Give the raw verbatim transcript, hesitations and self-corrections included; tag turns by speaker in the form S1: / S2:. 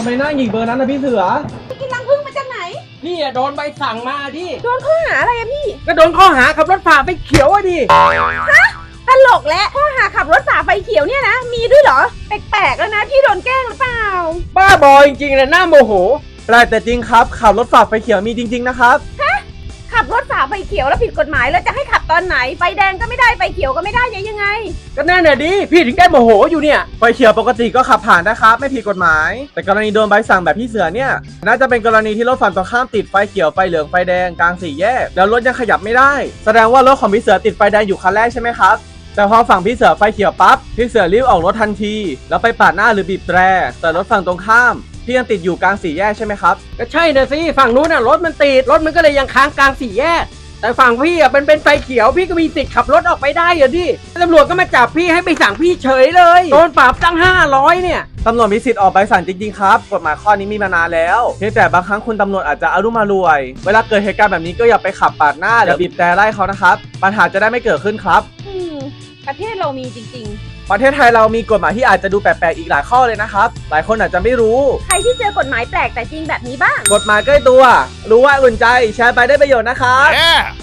S1: ำไมหน้าหงิกเบอร์นั้นนะพี่เสือ
S2: กินรังผึ้งมาจากไหน
S3: พี่อะโดนใบสั่งมาดิ
S2: โดนข้อหาอะไรอะพี่
S3: ก็โดนข้อหาขับรถฝ่าไฟเขียวอะดิ
S2: ฮะตลกและข้อหาขับรถฝ่าไฟเขียวเนี่ยนะมีด้วยเหรอแปลกๆแล้วนะพี่โดนแกล้งหรือเปล่า
S3: บ้าบอจริงๆเลยหน้าโมโห
S1: แต่จริงครับขับรถฝ่าไฟเขียวมีจริงๆนะครับ
S2: ฮะขับรถฝ่าไฟเขียวแล้วผิดกฎหมายแล้วจะให้ขับตอนไหนไฟแดงก็ไม่ได้ไฟเขียวก็ไม่ได้ยังไง
S3: ก็นั่นน่ะดิพี่ถึงได้โมโหอยู่เนี่ย
S1: ไฟเขียวปกติก็ขับผ่านนะครับไม่ผิดกฎหมายแต่กรณีโดนใบสั่งแบบพี่เสือเนี่ยน่าจะเป็นกรณีที่รถฝั่งตรงข้ามติดไฟเขียวไฟเหลืองไฟแดงกลางสี่แยกแล้วรถยังขยับไม่ได้แสดงว่ารถของพี่เสือติดไฟแดงอยู่คันแรกใช่ไหมครับแต่พอฝั่งพี่เสือไฟเขียวปั๊บพี่เสือรีบออกรถทันทีแล้วไปปาดหน้าหรือบีบแตรแต่รถฝั่งตรงข้ามพี่ยังติดอยู่กลางสี่แยกใช่ไหมครับ
S3: ก็ใช่นะสิฝั่งนู้นน่ะรถมันติดรถมันก็เลยยังค้างกลางสี่แยกแต่ฝั่งพี่อ่ะเป็นเป็นไฟเขียวพี่ก็มีสิทธิ์ขับรถออกไปได้เหรอดิตำรวจก็มาจับพี่ให้ไปสั่งพี่เฉยเลยโดนปรับตั้งห้าร้อยเนี่ย
S1: ตำรวจมีสิทธิ์ออกใบสั่งจริงๆครับกฎหมายข้อนี้มีมานานแล้วเพียงแต่บางครั้งคุณตำรวจอาจจะอารมณ์รวยเวลาเกิดเหตุการณ์แบบนี้ก็อย่าไปขับปาดหน้าหรือบีบแตรไล่เขานะครับปัญหาจะได้ไม่เกิดขึ้นครับ
S2: อืมประเทศเรามีจริง
S1: ๆประเทศไทยเรามีกฎหมายที่อาจจะดูแปลกๆอีกหลายข้อเลยนะครับหลายคนอาจจะไม่รู้
S2: ใครที่เจอกฎหมายแปลกแต่จริงแบบนี้บ้าง
S1: กฎหมายใกล้ตัวรู้ว่าอุ่นใจแชร์ไปได้ประโยชน์นะครับ
S4: yeah.